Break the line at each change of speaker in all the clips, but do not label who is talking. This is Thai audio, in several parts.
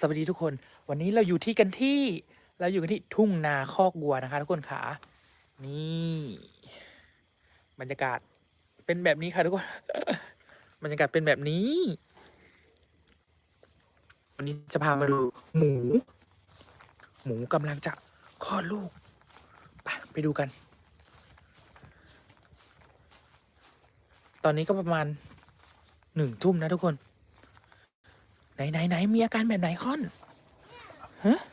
สวัสดีทุกคนวันนี้เราอยู่กันที่ทุ่งนาคอกวัวนะคะทุกคนขานี่บรรยากาศเป็นแบบนี้ค่ะทุกคน บรรยากาศเป็นแบบนี้ วันนี้จะพามาดูหมูกำลังจะคลอดลูกไปดูกัน ตอนนี้ก็ประมาณ1 ทุ่มนะทุกคนไหนมีอาการแบบไหนค่อนฮะ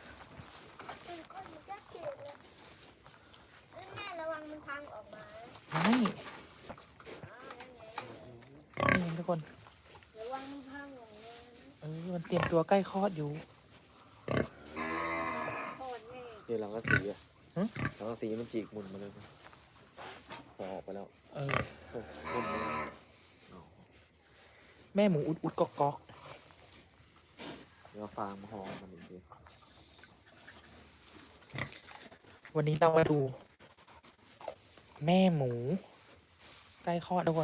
แม่ระวังมันพังออกมา
ไม่นี่ทุกคน
ระวังมันพังออกมา
มันเตรียมตัวใกล้คลอดอยู่
โคตรแม่
เดี๋ยวหลังกระสีอะ
ฮะ
หลังกระสีมันจีกหมุนมาเลยพอออกไปแล้ว
เออ
โอ้หมุนมาแล้ว
แม่หมูอุดกอก
เดี๋ยวฟางมาห่อมันอีกที
วันนี้เรามาดู แม่หมู ใกล้คลอดทุกคน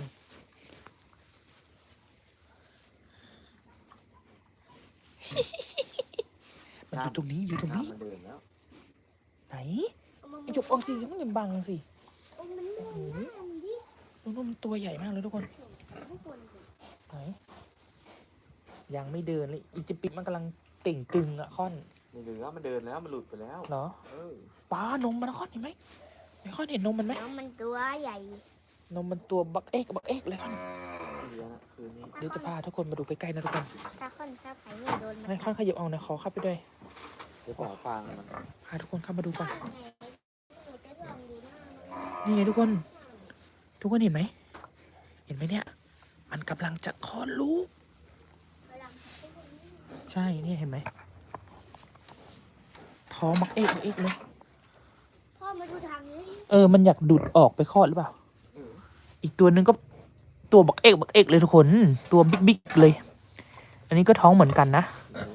มันอยู่ตรงนี้อยู่ตรงนี้
มันเดินแล้ว
ไหนไอหยกเอาสิมันอย่าบังสิ
มันม่วงหน้ามันดิ
ดูมันตัวใหญ่มากเลยทุกคน
ทุกคนดิ
ไหนยังไม่เดินเลยอีจิปิกมันกำลังเต่งตึงอะค่อน
ไม่เหลือมันเดินแล้วมันหลุดไปแล้ว
เหรอ
เออ
ป้านมมันนะค่อนเห็นไหมไอค่อนเห็นนมมันไหม
แล้วมันตัวใหญ่
นมมันตัวบักเอกเลยค่อน
เดี๋ยวนะคืนนี้
เดี๋ยวจะพาทุกคนมาดูใกล้ๆนะทุกคน
ถ้าค่อนข้าวไผ่ไม่โดนมัน
ให้ค่อนขยับเอานะขอเข้าไปด้วย
เดี๋ยวต่อฟางมัน
พาทุกคนเข้ามาดูก่อน
ไงหนูจะลองดูหน้ามัน
นี่ไงทุกคนเห็นไหมเนี่ย มันกำลังจะคลอดลูก
กำลัง
ใช่เนี่ยเห็นไหมท้องบักเอกเลย
พ่อมาดูทางนี้
มันอยากดูดออกไปคลอดหรือเปล่า
เออ
อีกตัวหนึ่งก็ตัวบักเอกเลยทุกคน ตัวบิ๊กเลย อันนี้ก็ท้องเหมือนกันนะ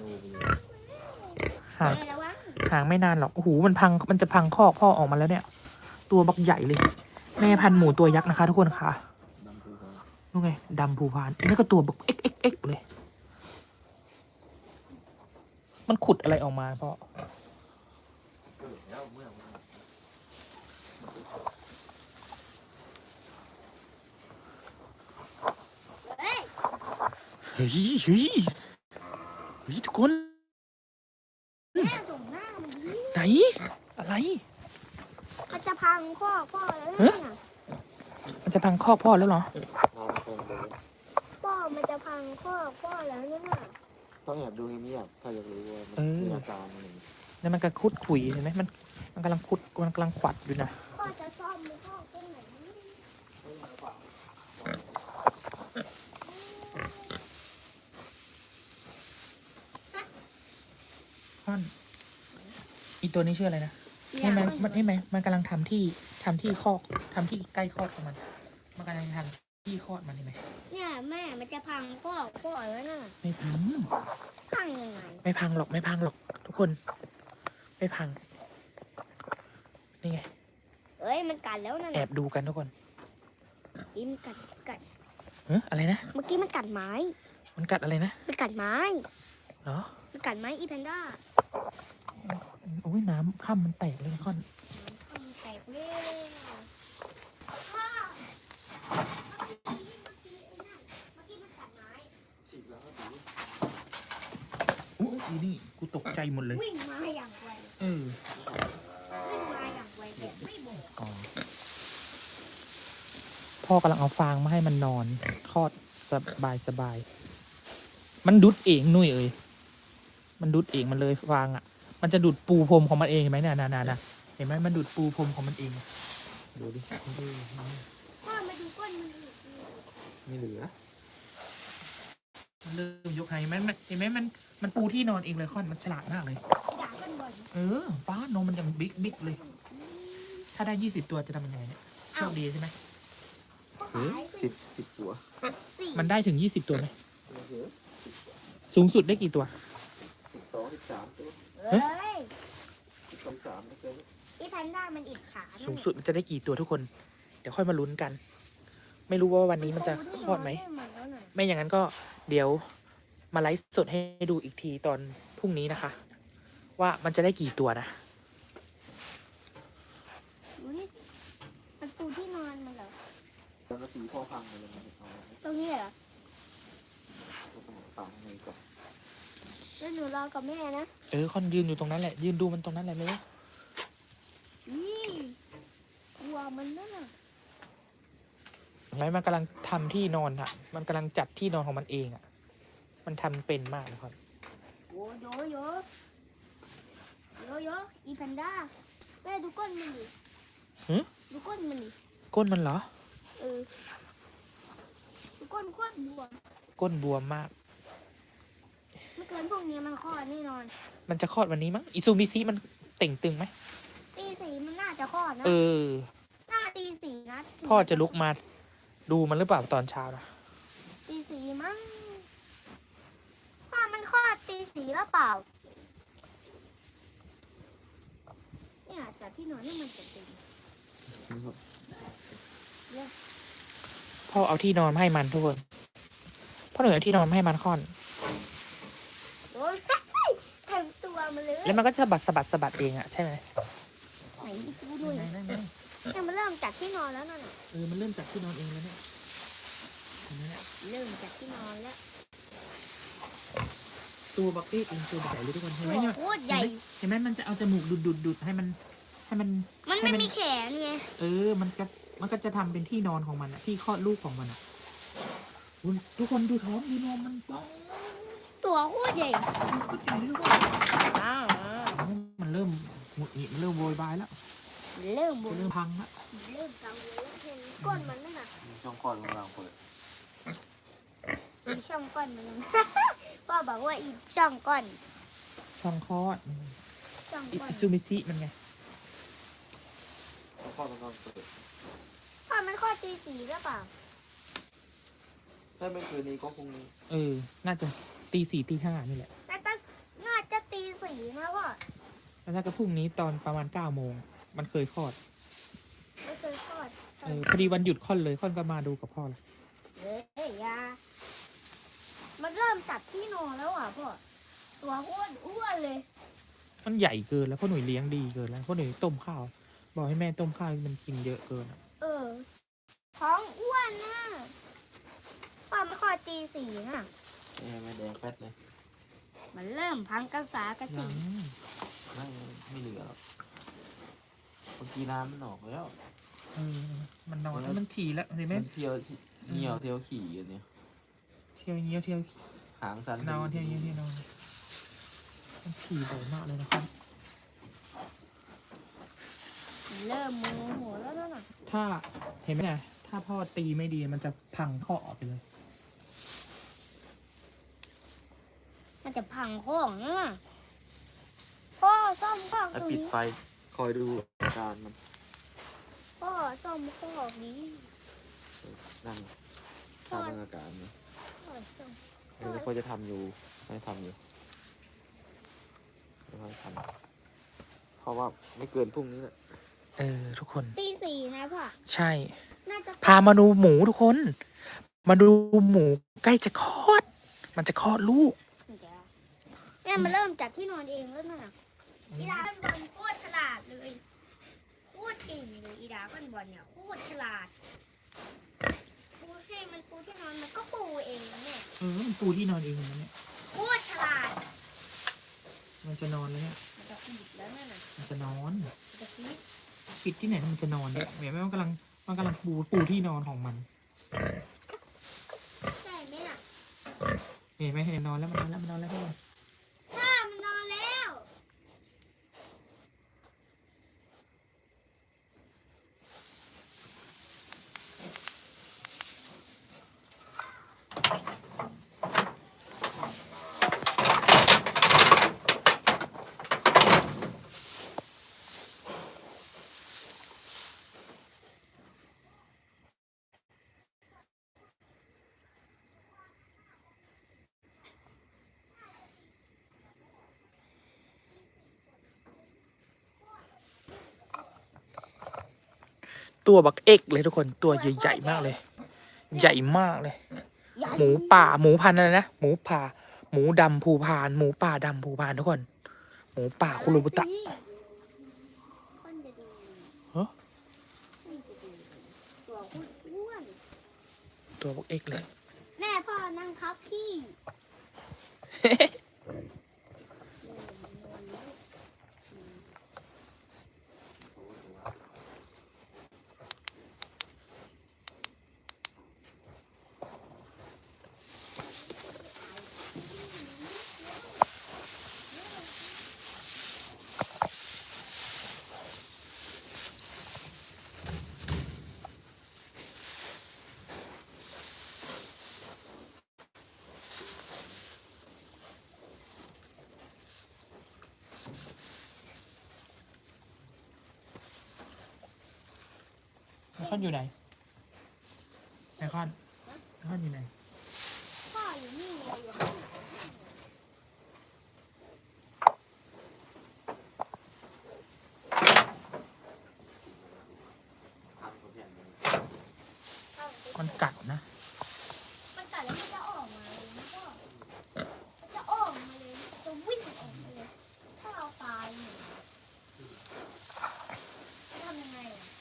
ห่าง
แม่ระวัง
ห่างไม่นานหรอกโอ้โหมันจะพังคอกพ่อออกมาแล้วเนี่ย ตัวบักใหญ่เลย แม่พันธุ์หมูตัวยักษ์นะคะ ทุกคนค่ะ
ดำภูเขา
นู่นไงดำภูพานอันนี้ก็ตัวบักเอ็กเลย มันขุดอะไรออกมาพ่อ
เออแล้วเมื่อมัน
เฮ้ย
เฮ้ยทุกคน
แม่ส่งหน้ามันดิ
ไหนอะไร
มันจะพังพ่อแล้วเนี่ย
มันจะพังคอกพ่อแล้วเหรอ
พามันคนเลย
พ่อมันจะพังพ่อแล้วเนี่ย
ต้องแอบดูเงียบๆถ้าอยากรู้ว่ามัน
เออ
มีอาการอะไร
แล้วมันก็คุดขุยเห็นไหมมันกำลังขุดมันกำลังขวัดอยู่นะ
พ่อจะซ่อมมันพ่อตรงไหน
ค่อนอีตัวนี้ชื่ออะไรนะใช่ไหมมันกำลังทำที่คอกทำที่ใกล้คอกของมันกำลังทำที่คลอดมันเห็นไหม
เนี่ยแม่มันจะพังพ่อแล้วน่ะ
ไม่พัง
พังยังไง
ไม่พังหรอกทุกคน ไม่พังนี่ไง
เอ้ยมันกัดแล้วนั่น
แอ
น่ะ
บดูกันทุกคน
อีมันกัด
อะไรนะ
เมื่อกี้มันกัดไม้
มันกัดอะไรนะ
มันกัดไม้
เหรอ
มันกัดไม้อีแพนด้า
โอ้ยน้ำข้ามมันแตกเลยนะค่อน
มันแตกเลยพ่อเมื่อกี้มันกัดไม้
ฉีกแล้วก็ดู
อู้อีนี่กูตกใจหมดเลย
วิ่งมาอย่างไว
วิ่ง
วิ่งมาอย่างไวแบบไม่บอก
พ่อกำลังเอาฟางมาให้มันนอนคลอดสบายมันดุดเองนุ่ยมันดุดเองมันเลยฟางอ่ะ มันจะดูดปูพรมของมันเองเห็นไหมเนี่ยนะเห็นไหมมันดูดปูพรมของมันเองดูดิ
พ่อมาดูก้นมันอีก
ไม่เหลือ
มันเริ่มยกไฮเห็นไหมมันปูที่นอนเองเลยค่อนมันฉลาดมากเลย
ด่ากันบ่อย
ป้านมมันยังบิ๊กเลย ถ้าได้20 ตัวจะทำยังไงเนี่ยโชคดีใช่ไหม
พ่อ
เฮ้ย
ขาย
สิบหัว
สี่
มันได้ถึง20 ตัวไหม
ไม่เหลือ
สูงสุดได้กี่ตัว
12 13ตัว
เฮ้ย
12 13ไม่เกิน
อีแพนด้ามันอิดขา
สูงสุดมันจะได้กี่ตัวทุกคน เดี๋ยวค่อยมาลุ้นกัน ไม่รู้ว่าวันนี้มันจะคลอดไหม ไม่อย่างนั้นก็เดี๋ยวมาไลฟ์สดให้ดูอีกทีตอนพรุ่งนี้นะคะ ว่ามันจะได้กี่ตัวนะ
ดูนี่มันปูที่นอนมันเหรอ
แล้วก็สีพ่อพังเลยมันเอา
ตรงนี้เหรอ
ตัวสมองฝังในก่อน
แล้วหนูรอกับแม่นะ
คอนยืนอยู่ตรงนั้นแหละ ยืนดูมันตรงนั้นแหละเลย
นี่กลัวมันนั่นน่ะ
ไหมมันกำลังทำที่นอนอะมันกำลังจัดที่นอนของมันเองอะมันทำเป็นมากนะครับ
โอ้โยโยโยโยอีแพนด้าแม่ดูก้นมันดิ
หึ
ดูก้นมันดิ
ก้นมันเหรอ
เออดูก้นโคตรบวม
ก้นบวมมาก
ไม่เกินพวกนี้มันคลอดแน่นอน
มันจะคลอดวันนี้มั้งอิซูมิซิมันเต่งตึงไหม
ตีสี่มันน่าจะคลอดนะ
เออ
น่าตีสี่นะ
พ่อจะลุกมาดูมันหรือเปล่าตอนเช้านะ
ตีสี่มั้งพ่อมันคลอดตีสี่แล้วเปล่าเนี่ยจัดที่นอนให้มันจะเต็ม
พ่อเอาที่นอนมาให้มันทุกคนพ่อหนูเอาที่นอนมาให้มันคลอด
โอ้ยเต็มตัวมันเลย
แล้วมันก็จะสะบัดเองอะใช่ไหม
ไหนดูหน่อยเนี่ยมันเริ่มจากที่นอนแล้วนั่นน่ะ
มันเริ่มจากที่นอนเองแล้วเนี่ย
เริ่มจากที่นอนแล้ว
ตัวบักเอกเองตัวใหญ่เลยทุกคนเห็นไหมเนี่ย
โคตรใหญ่
เห็นไหมมันจะเอาจมูกดูดให้มัน
มันไม่มีแขนไง
มันก็จะทำเป็นที่นอนของมันอะที่คลอดลูกของมันอะอุ๊ยทุกคนดูท้องดูนมมันป้อง
ตัวโคตรใหญ่
ก็ใหญ่เลยทุกคน
อ้าว
มันเริ่มหงุดหงิดมันเริ่มโวยวายแล้ว
เริ่มบุ
มัน
ญ
เริ่มพังแล้ว
เริ่มกังวลแล้วเห็นก้นมันนั่นน่ะ
ช่องคลอดของเราเปิด
อีช่องก้อนมัน พ่อบอกว่าอีช่องก้อน
ช่องคลอด
ช่อง
อิ
ก้อน
ซูมิซิมันไง
ช่องคลอดของเราเปิด
พ่อมันคลอดตีสี่หรือเปล่า
ถ้าไม่คืนนี้ก็พรุ่งนี้
น่าจะตีสี่ตีห้านี่แหละ
น่าจะตีสี่นะพ่อ
แล้วถ้าก็พรุ่งนี้ตอนประมาณ9 โมงมันเคยคลอด
ไม่เคยคลอด
พอดีวันหยุดค่อนเลยค่อนก็มาดูกับพ่อเลย
เฮ้ยยามันเริ่มจัดที่นอนแล้วอ่ะพ่อตัวอ้วนเลย
มันใหญ่เกินแล้วพ่อหนุ่ยเลี้ยงดีเกินแล้วพ่อหนุ่ยต้มข้าวบอกให้แม่ต้มข้าวมันกินเยอะเกินอะ
ท้องอ้วนนะพ่อมันคลอดตีสี่นะ
ไม่แดงแป๊ดเลย
มันเริ่มพังกระสากระสี
ไม่เหลือหรอกเมื่อกี้น้ำมันออกแล้ว
มันนอนแล้วมันขี่แล้วเห็นไหม
มันเที่ยวเหี่ยวเที่ยวขี่อยู่เนี่ย
เที่ยวเงี้ยวเที่ยว
หางสัน
นอนเที่ยวเงี้ยวเที่ยวนอนมันขี่บ่อยมากเลยนะครับ
เริ่มโมโหแล้วนั่นน่ะ
ถ้าเห็นไหมเนี่ยถ้าพ่อตีไม่ดีมันจะพังข้อออกไปเลย
มันจะพังของนะพ่อซ่อมข้อ
แล้ว
ตรง
ปิด
นี้
ไฟคอยดูอาการมัน
พ่อซ่อมข้อนี้
นั่งตามอาการนะ
พ่อซ่อม
เดี๋ยวเขาจะทำอยู่ไม่ทำอยู่ไม่ค่อยทำเพราะว่าไม่เกินพรุ่งนี้แหละ
ทุกคน
ตีสี่นะพ่อ
ใช่
น่าจะ
พามาดูหมูทุกคน มาดูหมูใกล้จะคลอด มันจะคลอดลูก
เนี่ยมันเริ่มจากที่นอนเองแล้วนั่นน่ะอีดาก้อนบอลโคตรฉลาดเลยโคตรเก่งเลยอีดาก้อนบอลเนี่ยโคตรฉลาดปูให้มันปูที่นอนมันก็ปูเองนะเนี่ย
มันปูที่นอนเองมันเนี่ย
โคตรฉลาด
มันจะนอนแล้วเนี่ย
มันจะปิดแล้วนั่นน่ะ
มันจะนอน
มันจะปิด
ปิดที่ไหนมันจะนอนเนี่ยเห็นไหมมันกำลังปูที่นอนของมัน
ใช่ไหมน่ะ
เห็นไหมเห็นนอนแล้วมันนอนแล้วมันนอนแล้วทุกคน
ถ้ามันนอนแล้ว
ตัวบักเอกเลยทุกคนตัวใหญ่ๆมากเลย ใหญ่มากเลย หมูป่าหมูพันธุ์อะไรนะหมูป่าหมูดำภูพาน หมูป่าดำภูพานทุกคน หมูป่าคุรุบุตะ
คนจะดู
ฮะ
คนจะดูตัวอ้วน
ตัวพวกเอ็กเลย
แม่พ่อนั่งทับพี่
ไอคอนอยู่ไหนไอคอนอยู่ไหน
พ่ออยู่นี่ไงอยู่ข้างหลัง
ทำกับอย่างนี้
มันกัดนะ
มันกัดแล้วมันจะออกมาเลยมันก็มันจะออกมาเลยมันจะวิ่งออกมาเลย ถ้าเราตายเนี่ยจะทำยังไงอ่ะ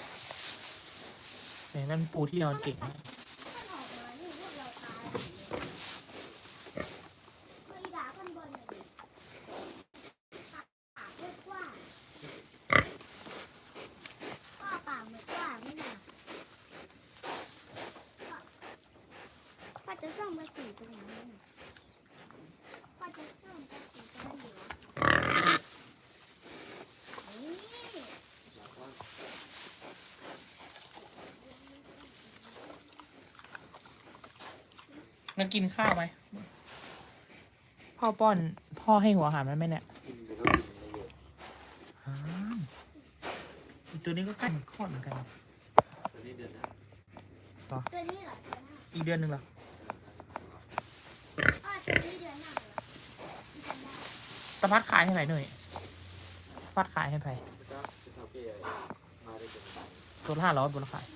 แต่นั่นปูที่นอนเก่งมาก
ถ้ามันออกมานี่พวกเราตายหมดเลยเมื่ออีดาข้างบนเนี่ยดิปากเรียกว่าพ่อปากเหมือนกว่าไม่น่ะพ่อจะส่องมาสีตรงนั้นน่ะพ่อจะส่องมาสีตรงนั้นอยู่นี่
มันกินข้าวไหม พ่อป้อน พ่อให้หัวอาหารมันไหมเนี่ย
กินไปก็กินไม่เยอะ
อ้าวอีกตัวนี้ก็ใกล้คลอดเหมือนกัน
ตอนนี้เดือนนะ
ตัวนี้เหรอตัวหน้า
อีกเดือนหนึ่งเหรอ
พ่อตัวนี้เดือนหน้าเหรอที่จำได้
สะพัดขายให้ไหนหน่อยพัดขายให้ไผ่
เจ้าจะเท่าเกี้ยมาได้เป็นตังค์
ตัวละ500ตัวละขาย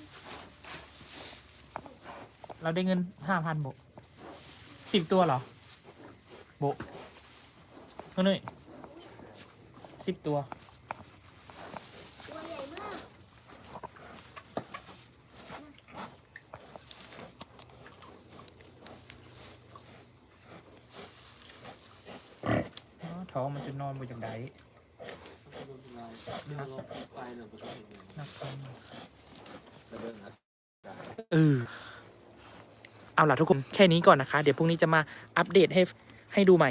เราได้เงิน5,000โบ10 ตัวเหรอ โบเท่านี้10 ตัว
ตัวใหญ่มาก
อ๋อท้องมันจะนอนบนอย่างได
ต้องโดนลายเรื่องลบไปเนี่ยมันต้องเห็นเลย
นะครับ
แต่เรื่องนะ
เอาล่ะทุกคนแค่นี้ก่อนนะคะ เดี๋ยวพรุ่งนี้จะมาอัปเดตให้ดูใหม่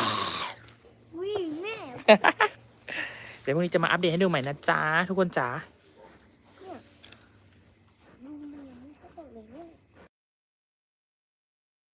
วิ่งแม่
เดี๋ยวพรุ่งนี้จะมาอัปเดตให้ดูใหม่นะจ๊ะ ทุกคนจ๋า